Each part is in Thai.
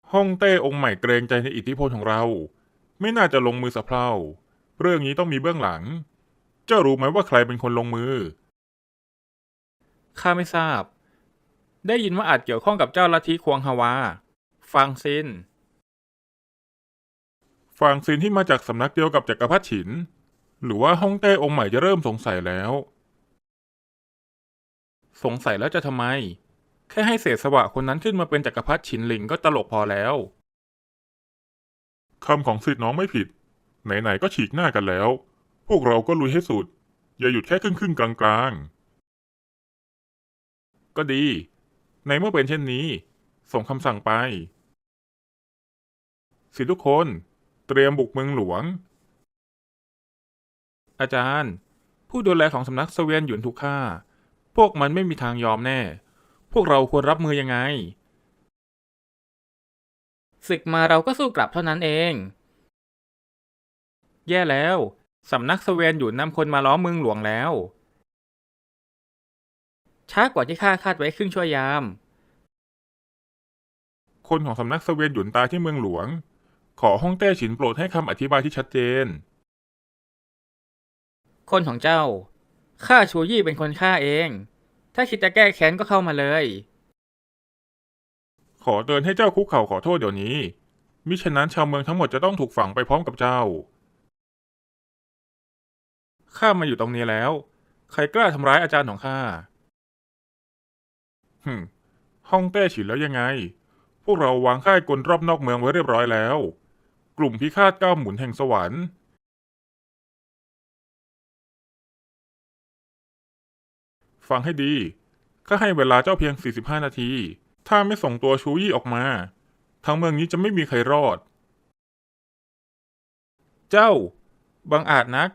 ฮ่องเต้องค์ใหม่เกรงใจในอิทธิพลของเราไม่น่าจะลงมือสะเพร่าเรื่องนี้ต้องมีเบื้องหลังเจ้ารู้ไหมว่าใครเป็นคนลงมือข้าไม่ทราบได้ยินว่าอาจเกี่ยวข้องกับเจ้าลัทธิควงฮาวาฟางซินฟางซินที่มาจากสำนักเดียวกับจักรพรรดิฉินหรือว่าฮ่องเต้องค์ใหม่จะเริ่มสงสัยแล้วสงสัยแล้วจะทำไมแค่ให้เศษสวะคนนั้นขึ้นมาเป็นจักรพรรดิฉินหลิงก็ตลกพอแล้วคำของสิทธิ์น้องไม่ผิดไหนๆก็ฉีกหน้ากันแล้วพวกเราก็ลุยให้สุดอย่าหยุดแค่ครึ่งกลางๆก็ดีในเมื่อเป็นเช่นนี้ส่งคำสั่งไปสิทธิทุกคนเตรียมบุกเมืองหลวงอาจารย์ผู้ดูแลของสำนักเสวียนหยุนถูกฆ่าพวกมันไม่มีทางยอมแน่พวกเราควรรับมือยังไงศึกมาเราก็สู้กลับเท่านั้นเองแย่แล้วสำนักเสวียนหยุนนำคนมาล้อมเมืองหลวงแล้วช้ากว่าที่ข้าคาดไว้ครึ่งชั่วยามคนของสำนักเสวียนหยุนตายที่เมืองหลวงขอฮ่องเต้ฉินโปรดให้คำอธิบายที่ชัดเจนคนของเจ้าข้าชูยี่เป็นคนฆ่าเองถ้าคิดจะแก้แค้นก็เข้ามาเลยขอเตือนให้เจ้าคุกเข่าขอโทษเดี๋ยวนี้มิฉะนั้นชาวเมืองทั้งหมดจะต้องถูกฝังไปพร้อมกับเจ้าข้ามาอยู่ตรงนี้แล้วใครกล้าทำร้ายอาจารย์ของข้าฮึมฮ่องเต้ฉินแล้วยังไงพวกเราวางค่ายกลรอบนอกเมืองไว้เรียบร้อยแล้วกลุ่มพิฆาตก้าวหมุนแห่งสวรรค์ฟังให้ดีข้าให้เวลาเจ้าเพียง45นาทีถ้าไม่ส่งตัวชูยี่ออกมาทั้งเมืองนี้จะไม่มีใครรอดเจ้าบังอาจนัก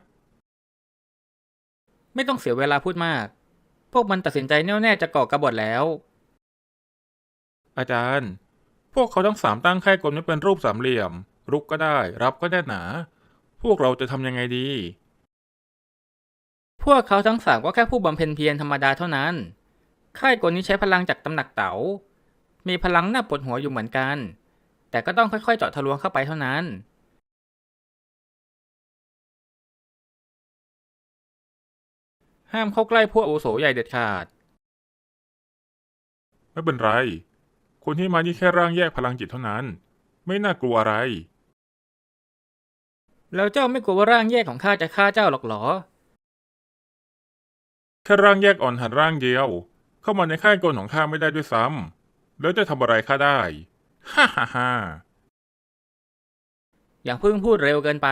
ไม่ต้องเสียเวลาพูดมากพวกมันตัดสินใจแน่วแน่จะก่อกบฏแล้วอาจารย์พวกเขาทั้งสามตั้งค่ายกลไม่เป็นรูปสามเหลี่ยมรุกก็ได้รับก็แน่นหนาพวกเราจะทำยังไงดีพวกเขาทั้งสามก็แค่ผู้บำเพ็ญเพียรธรรมดาเท่านั้นค่ายกลนี้ใช้พลังจากตำหนักเต๋ามีพลังน่าปวดหัวอยู่เหมือนกันแต่ก็ต้องค่อยๆเจาะทะลวงเข้าไปเท่านั้นห้ามเข้าใกล้พวกอาวุโสใหญ่เด็ดขาดไม่เป็นไรคนที่มานี่แค่ร่างแยกพลังจิตเท่านั้นไม่น่ากลัวอะไรแล้วเจ้าไม่กลัวว่าร่างแยกของข้าจะฆ่าเจ้าหรอกเหรอแค่ร่างแยกอ่อนหันร่างเดียวเข้ามาในค่ายกลของข้าไม่ได้ด้วยซ้ำแล้วจะทำอะไรข้าได้ฮ่าฮ่าฮ่าอย่าเพิ่งพูดเร็วเกินไป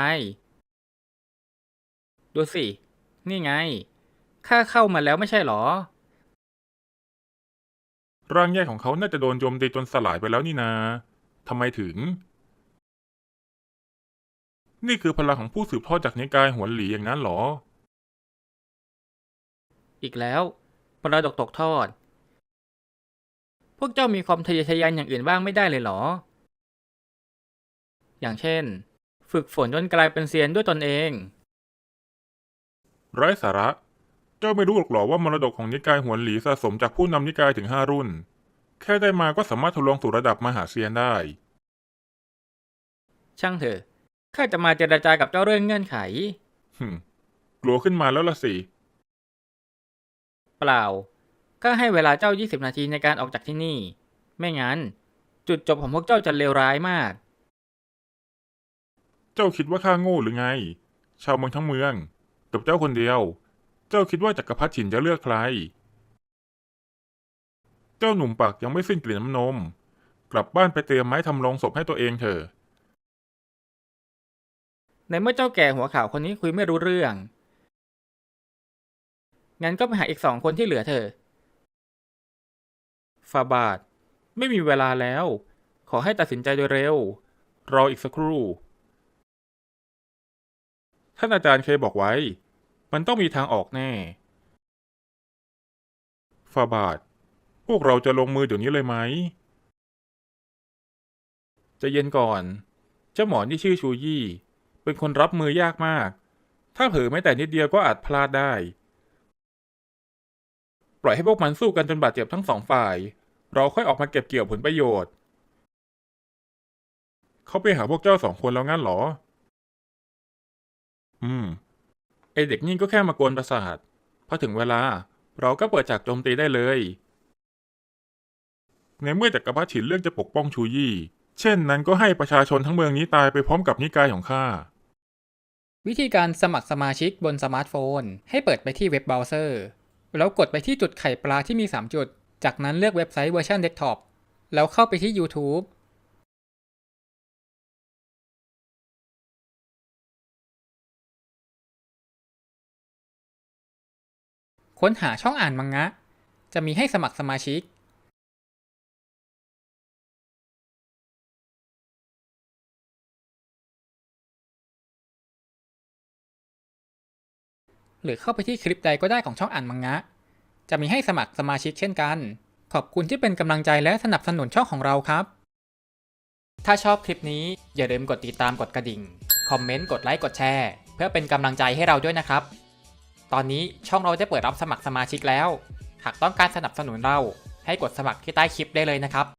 ดูสินี่ไงข้าเข้ามาแล้วไม่ใช่เหรอร่างแยกของเขาน่าจะโดนโจมตีจนสลายไปแล้วนี่นาทำไมถึงนี่คือพลังของผู้สืบทอดจากนิกายหวนหลีอย่างนั้นเหรออีกแล้วมรดกตกทอดพวกเจ้ามีความทะเยอทะยานอย่างอื่นบ้างไม่ได้เลยเหรออย่างเช่นฝึกฝนจนกลายเป็นเซียนด้วยตนเองไร้สาระเจ้าไม่รู้หรอกเหรอว่ามรดกของนิกายหวนหลีสะสมจากผู้นำนิกายถึง5 รุ่นแค่ได้มาก็สามารถทะลวงสู่ระดับมหาเซียนได้ช่างเถอะข้าจะมาเจรจากับเจ้าเรื่องเงื่อนไขฮึมกลัวขึ้นมาแล้วล่ะสิเปล่าข้าให้เวลาเจ้า20นาทีในการออกจากที่นี่ไม่งั้นจุดจบของพวกเจ้าจะเลวร้ายมากเจ้าคิดว่าข้าโง่หรือไงชาวเมืองทั้งเมืองกับเจ้าคนเดียวเจ้าคิดว่าจักรพรรดิฉินจะเลือกใครเจ้าหนุ่มปากยังไม่สิ้นกลิ่นน้ำนมกลับบ้านไปเตรียมไม้ทำโลงศพให้ตัวเองเถอะในเมื่อเจ้าแก่หัวขาวคนนี้คุยไม่รู้เรื่องงั้นก็ไปหาอีก2 คนที่เหลือเถอะฟาบาทไม่มีเวลาแล้วขอให้ตัดสินใจโดยเร็วรออีกสักครู่ท่านอาจารย์เคยบอกไว้มันต้องมีทางออกแน่ฟาบาทพวกเราจะลงมือเดี๋ยวนี้เลยไหมจะเย็นก่อนเจ้าหมอที่ชื่อชูยี่เป็นคนรับมือยากมากถ้าเผลอแม้แต่นิดเดียวก็อาจพลาดได้ปล่อยให้พวกมันสู้กันจนบาดเจ็บทั้ง2 ฝ่ายเราค่อยออกมาเก็บเกี่ยวผลประโยชน์เขาไปหาพวกเจ้าสองคนแล้วงั้นเหรอ ไอเด็กนี่ก็แค่มากวนประสาท พอถึงเวลา เราก็เปิดฉากโจมตีได้เลย ในเมื่อจักรพรรดิฉินเลือกจะปกป้องชูยี่ เช่นนั้นก็ให้ประชาชนทั้งเมืองนี้ตายไปพร้อมกับนิกายของข้าวิธีการสมัครสมาชิกบนสมาร์ทโฟนให้เปิดไปที่เว็บเบราว์เซอร์แล้วกดไปที่จุดไข่ปลาที่มี 3 จุด จากนั้นเลือกเว็บไซต์เวอร์ชันเดสก์ท็อปแล้วเข้าไปที่ YouTube ค้นหาช่องอ่านมังงะ จะมีให้สมัครสมาชิก หรือเข้าไปที่คลิปใดก็ได้ของช่องอ่านมังงะ จะมีให้สมัครสมาชิกเช่นกัน ขอบคุณที่เป็นกำลังใจและสนับสนุนช่องของเราครับ ถ้าชอบคลิปนี้อย่าลืมกดติดตามกดกระดิ่ง คอมเมนต์ กดไลค์ กดแชร์ เพื่อเป็นกำลังใจให้เราด้วยนะครับ ตอนนี้ช่องเราได้เปิดรับสมัครสมาชิกแล้ว หากต้องการสนับสนุนเราให้กดสมัครที่ใต้คลิปได้เลยนะครับ